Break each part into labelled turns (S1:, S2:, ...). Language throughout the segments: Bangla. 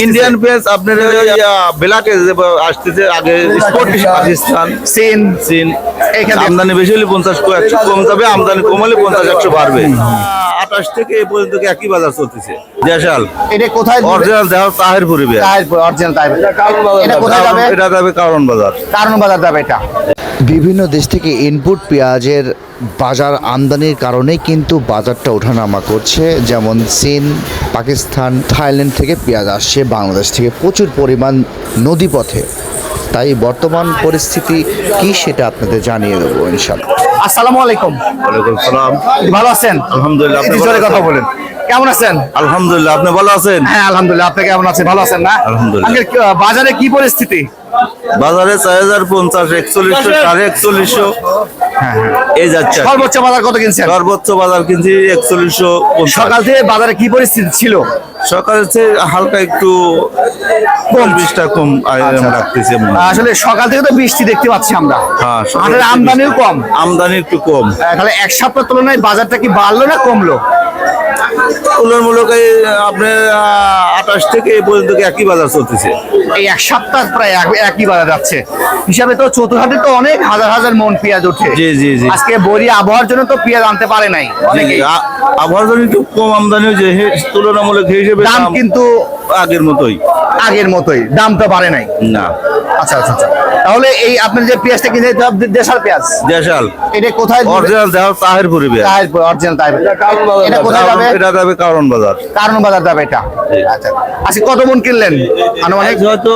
S1: ইন্ডিয়ান পেঁয়াজ আপনার ব্ল্যাকে আসতেছে আগে স্পোর্টিশ পাকিস্তান চীন
S2: এখানে
S1: আমদানি বেশি হলে 50-100 কম যাবে, আমদানি কমালে 50-100 বাড়বে। 28 থেকে এই পর্যন্ত একই বাজার চলতেছে। দেশাল
S2: এটা কোথায়
S1: অরিজিনাল দেহ তাহিরপুরি পেঁয়াজ,
S2: অরিজিনাল তাই এটা কোথায় যাবে?
S1: এটা যাবে কারণ বাজার।
S2: কারণ বাজার যাবে এটা।
S3: বিভিন্ন দেশ থেকে ইনপুট পেঁয়াজের বাজার আমদানির কারণেই কিন্তু বাজারটা ওঠানামা করছে। যেমন চীন, পাকিস্তান, থাইল্যান্ড থেকে পেঁয়াজ আসছে বাংলাদেশ থেকে প্রচুর পরিমাণ নদীপথে। তাই বর্তমান পরিস্থিতি কি সেটা আপনাদের জানিয়ে দেবো ইনশাআল্লাহ।
S2: আসসালামু আলাইকুম।
S1: ওয়ালাইকুম সালাম।
S2: ভালো আছেন?
S1: আলহামদুলিল্লাহ। আপনি
S2: একটু জোরে কথা বলেন। কেমন আছেন?
S1: আলহামদুলিল্লাহ। আপনি ভালো আছেন?
S2: হ্যাঁ আলহামদুলিল্লাহ। আপনি কেমন আছেন? ভালো আছেন না?
S1: আলহামদুলিল্লাহ।
S2: আঙ্কেল, বাজারে কি পরিস্থিতি?
S1: বাজারে 4050, 4100, 4150 এই যাচ্ছে।
S2: সর্বোচ্চ বাজার কত কিনছেন?
S1: সর্বোচ্চ বাজার কিনছি 4150।
S2: সকাল থেকে বাজারে কি পরিস্থিতি ছিল?
S1: সকালের চেয়ে হালকা একটু কম, 20টা কম রাখতেছি।
S2: আসলে সকাল থেকে তো বৃষ্টি দেখতে পাচ্ছি আমরা।
S1: হ্যাঁ,
S2: হাটের আমদানিও কম।
S1: আমদানি একটু কম।
S2: তাহলে এক সপ্তাহ তুলনায় বাজারটা কি বাড়লো না কমলো?
S1: তুলনামূলক আপনার 28 থেকে এই পর্যন্ত একই বাজার চলতেছে।
S2: এই এক সপ্তাহ প্রায় একই বাজার যাচ্ছে। হিসাবে তো চতুর্হাটে তো অনেক হাজার হাজার মন পেঁয়াজ ওঠে।
S1: জি জি জি।
S2: আজকে বড়ি আবহাওয়ার জন্য তো পেঁয়াজ আনতে পারে নাই অনেকে।
S1: আবহাওয়ার জন্য একটু কম আমদানি হয়েছে, তুলনামূলক হিসেবে
S2: দাম কিন্তু
S1: আগের মতোই।
S2: আগের মতোই, দামটা বাড়ে নাই।
S1: না।
S2: আচ্ছা আচ্ছা আচ্ছা। তাহলে এই আপনার যে পেঁয়াজটা কিনে দেশাল পেঁয়াজ,
S1: দেশাল
S2: এটা কোথায়?
S1: অরিজিনাল দেহ তাহিরপুরি পেঁয়াজ,
S2: অরিজিনাল তাই। এটা কোথায় যাবে?
S1: এটা যাবে কারণ বাজার।
S2: কারণ বাজার যাবে এটা। আচ্ছা, আজকে কত মন কিনলেন আনুমানিক?
S1: হয়তো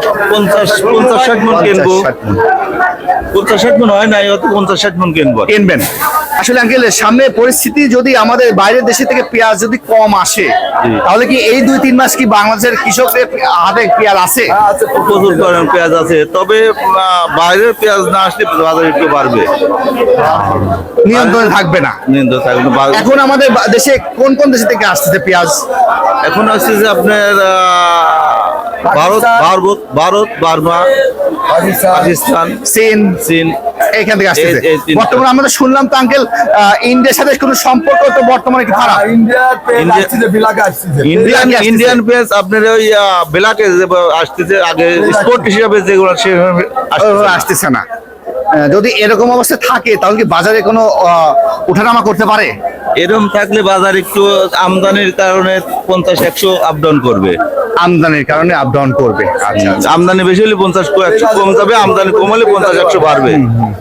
S1: 50-60 মন কিনবো। 50-60 মন হয় নাই, হয়তো 50-60 মন কিনবো।
S2: কিনবেন। আসলে আঙ্কেল, সামনে পরিস্থিতি যদি আমাদের বাইরের দেশে থেকে পেঁয়াজ যদি কম আসে, তাহলে কি এই 2-3 মাস কি বাংলাদেশের কৃষকদের হাতে পেঁয়াজ আছে?
S1: প্রচুর পরিমাণ পেঁয়াজ আছে, তবে বাইরের পেঁয়াজ না আসলে বাজার একটু বাড়বে,
S2: নিয়ন্ত্রণে থাকবে না।
S1: নিয়ন্ত্রণ থাকবে।
S2: এখন আমাদের দেশে কোন কোন দেশ থেকে আসতেছে পেঁয়াজ?
S1: এখন আসছে যে আপনার ভারত, বার্মা, পাকিস্তান,
S2: চীন এখান থেকে আসতেছে।
S1: এই তিনটা।
S2: বর্তমানে আমরা তো শুনলাম তো আঙ্কেল, ইন্ডিয়ার সাথে কোনো সম্পর্ক তো বর্তমানে একটু খারাপ।
S1: ইন্ডিয়ান পেঁয়াজ আপনার ওই ব্ল্যাকে আসতেছে আগে স্পোর্ট হিসাবে যেগুলো সেভাবে
S2: আসতেছে না। যদি এরকম অবস্থা থাকে তাহলে কি বাজারে কোনো ওঠানামা করতে পারে?
S1: এরকম থাকলে বাজার একটু আমদানির কারণে 50-100 আপ ডাউন করবে।
S2: আমদানির কারণে আপ ডাউন করবে। আচ্ছা আচ্ছা।
S1: আমদানি বেশি হলে 50-100 কম যাবে, আমদানি কমালে 50-100 বাড়বে।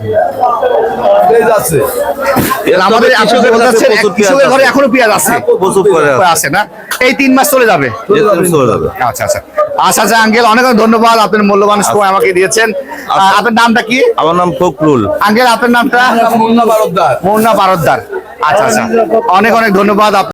S2: আমাদের
S1: কৃষকের কাছে প্রচুর পেঁয়াজ
S2: কৃষকের ঘরে
S1: আছে।
S2: এখনো পেঁয়াজ আছে,
S1: প্রচুর পেঁয়াজ আছে।
S2: আছে না? এই 3 মাস চলে যাবে।
S1: চলে যাবে।
S2: আচ্ছা আচ্ছা আচ্ছা আচ্ছা আঙ্কেল, অনেক অনেক ধন্যবাদ, আপনার মূল্যবান সময় আমাকে দিয়েছেন। আপনার নামটা কি?
S1: আমার নাম ফখরুল।
S2: আঙ্কেল, আপনার নামটা? মুন্না বারদ্দার। আচ্ছা আচ্ছা, অনেক অনেক ধন্যবাদ।